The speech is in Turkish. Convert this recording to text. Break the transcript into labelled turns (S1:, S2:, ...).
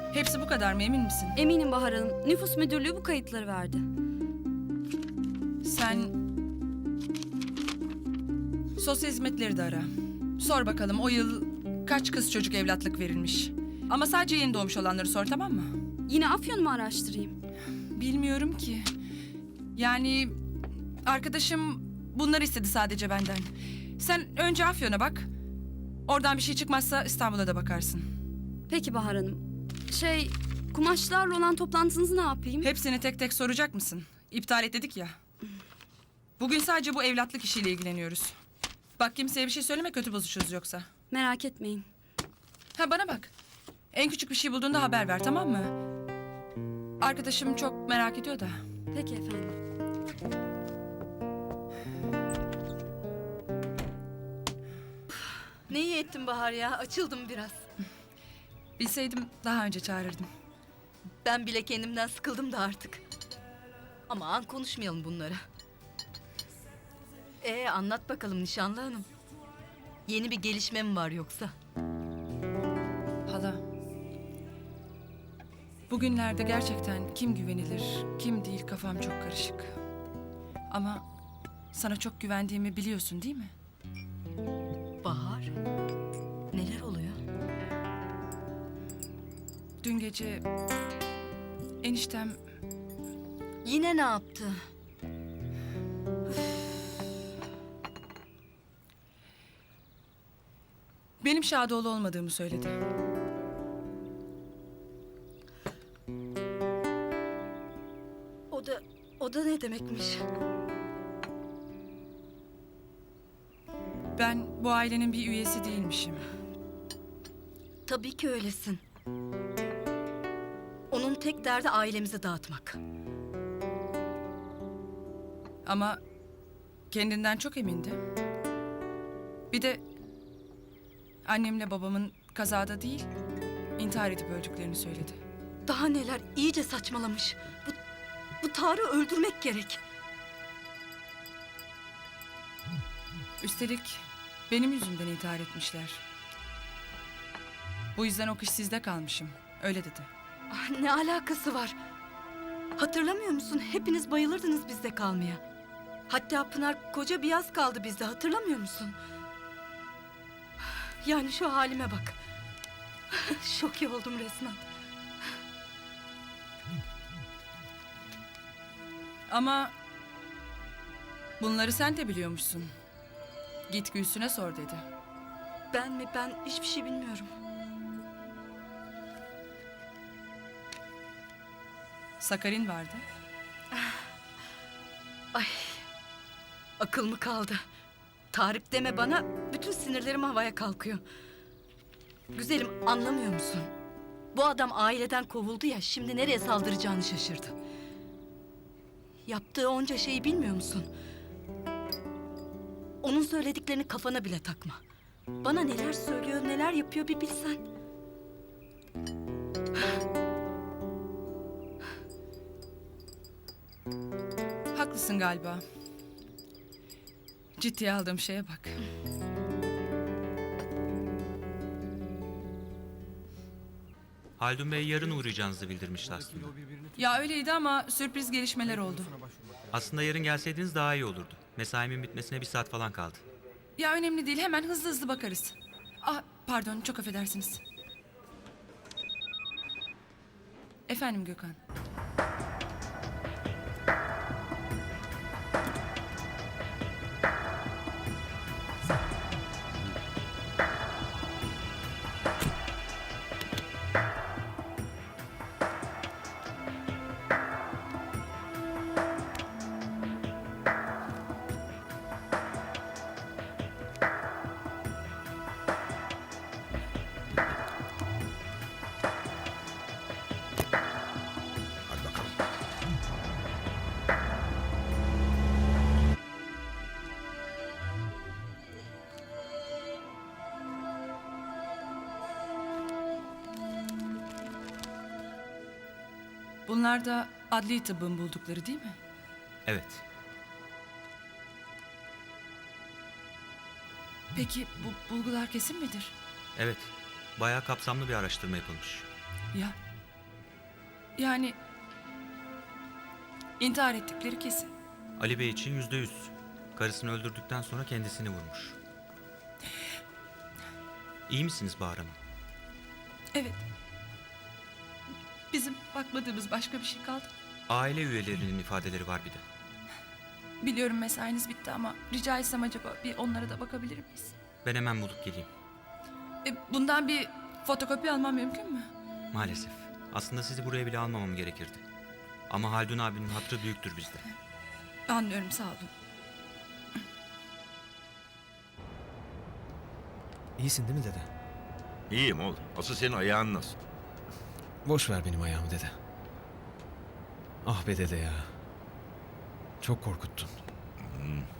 S1: Hepsi bu kadar mı, emin misin?
S2: Eminim Bahar Hanım. Nüfus müdürlüğü bu kayıtları verdi.
S1: Sen sosyal hizmetleri de ara. Sor bakalım o yıl kaç kız çocuk evlatlık verilmiş. Ama sadece yeni doğmuş olanları sor, tamam mı?
S2: Yine Afyon mu araştırayım?
S1: Bilmiyorum ki. Yani arkadaşım bunları istedi sadece benden. Sen önce Afyon'a bak. Oradan bir şey çıkmazsa İstanbul'a da bakarsın.
S2: Peki Bahar Hanım. Kumaşlarla olan toplantınızı ne yapayım?
S1: Hepsini tek tek soracak mısın? İptal et dedik ya. Bugün sadece bu evlatlık işiyle ilgileniyoruz. Bak kimseye bir şey söyleme, kötü bozuşuruz yoksa.
S2: Merak etmeyin.
S1: Ha bana bak. En küçük bir şey bulduğunda haber ver, tamam mı? Arkadaşım çok merak ediyor da.
S2: Peki efendim.
S3: Ne iyi ettin Bahar ya, açıldım biraz.
S1: Bilseydim daha önce çağırırdım.
S3: Ben bile kendimden sıkıldım da artık. Aman konuşmayalım bunları. Anlat bakalım nişanlı hanım. Yeni bir gelişme mi var yoksa?
S1: Hala. Bugünlerde gerçekten kim güvenilir, kim değil kafam çok karışık. Ama sana çok güvendiğimi biliyorsun değil mi?
S3: Bahar, neler oluyor?
S1: Dün gece eniştem
S3: Yine ne yaptı?
S1: benim Şadoğlu olmadığımı söyledi.
S3: O da ne demekmiş?
S1: Ben bu ailenin bir üyesi değilmişim.
S3: Tabii ki öylesin. Onun tek derdi ailemizi dağıtmak.
S1: Ama kendinden çok emindi. Bir de annemle babamın kazada değil, intihar edip öldüklerini söyledi.
S3: Daha neler, iyice saçmalamış. Bu Tarık'ı öldürmek gerek.
S1: Üstelik benim yüzümden intihar etmişler. Bu yüzden o kış sizde kalmışım. Öyle dedi.
S3: Ah, ne alakası var? Hatırlamıyor musun? Hepiniz bayılırdınız bizde kalmaya. Hatta Pınar koca bir yaz kaldı bizde, hatırlamıyor musun? Yani şu halime bak. Şok oldum resmen.
S1: Ama bunları sen de biliyormuşsun. Git Gülsün'e sor dedi.
S3: Ben mi? Ben hiçbir şey bilmiyorum.
S1: Sakarin vardı.
S3: Ay, akıl mı kaldı? Tarık deme bana, bütün sinirlerim havaya kalkıyor. Güzelim, anlamıyor musun? Bu adam aileden kovuldu ya, şimdi nereye saldıracağını şaşırdı. Yaptığı onca şeyi bilmiyor musun? Onun söylediklerini kafana bile takma. Bana neler söylüyor, neler yapıyor bir bilsen.
S1: Haklısın galiba. Ciddiye aldığım şeye bak.
S4: Haldun Bey yarın uğrayacağınızı bildirmişti aslında.
S1: Ya öyleydi ama sürpriz gelişmeler oldu.
S4: Aslında yarın gelseydiniz daha iyi olurdu. Mesaimin bitmesine 1 saat falan kaldı.
S1: Ya önemli değil, hemen hızlı hızlı bakarız. Ah pardon, çok affedersiniz. Efendim Gökhan.
S5: Hadi bakalım.
S1: Bunlar da adli tıbbın buldukları değil mi?
S4: Evet.
S1: Peki bu bulgular kesin midir?
S4: Evet. Bayağı kapsamlı bir araştırma yapılmış.
S1: Ya Yani intihar ettikleri kesin.
S4: Ali Bey için %100. Karısını öldürdükten sonra kendisini vurmuş. İyi misiniz Bahar Hanım?
S1: Evet. Bizim bakmadığımız başka bir şey kaldı.
S4: Aile üyelerinin ifadeleri var bir de.
S1: Biliyorum mesainiz bitti ama rica etsem acaba bir onlara da bakabilir miyiz?
S4: Ben hemen bulup geleyim.
S1: Bundan bir fotokopi almam mümkün mü?
S4: Maalesef. Aslında sizi buraya bile almamam gerekirdi. Ama Haldun abinin hatırı büyüktür bizde.
S1: Anlıyorum, sağ olun.
S5: İyisin değil mi dede?
S6: İyiyim oğlum. Asıl senin ayağın nasıl?
S5: Boş ver benim ayağımı dede. Ah be dede ya. Çok korkuttun.